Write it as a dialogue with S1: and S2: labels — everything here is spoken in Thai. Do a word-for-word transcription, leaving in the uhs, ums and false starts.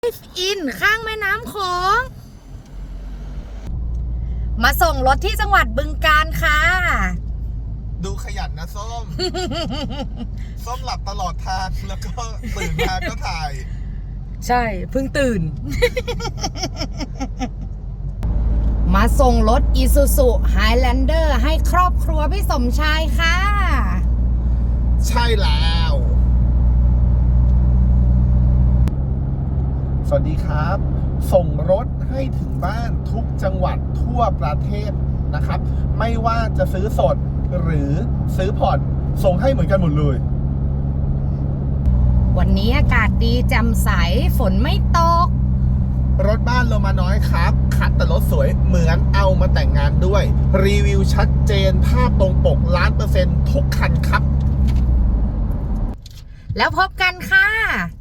S1: อินข้างแม่น้ำโขงมาส่งรถที่จังหวัดบึงกาฬค่ะ
S2: ดูขยันนะส้ม ส้มหลับตลอดทางแล้วก็ตื่นมาก็ถ่าย
S1: ใช่เพิ่งตื่น มาส่งรถ Isuzu Highlander ให้ครอบครัวพี่สมชายค่ะ
S2: ใช่แล้ว สวัสดีครับ ส่งรถให้ถึงบ้านทุกจังหวัดทั่วประเทศนะครับ ไม่ว่าจะซื้อสดหรือซื้อผ่อนส่งให้เหมือนกันหมดเลย
S1: วันนี้อากาศดีแจ่มใสฝนไม่ตก
S2: รถบ้านลงมาน้อยครับคัดแต่รถสวยเหมือนเอามาแต่งงานด้วยรีวิวชัดเจนภาพตรงปกล้านเปอร์เซ็นต์ทุกคันครับ
S1: แล้วพบกันค่ะ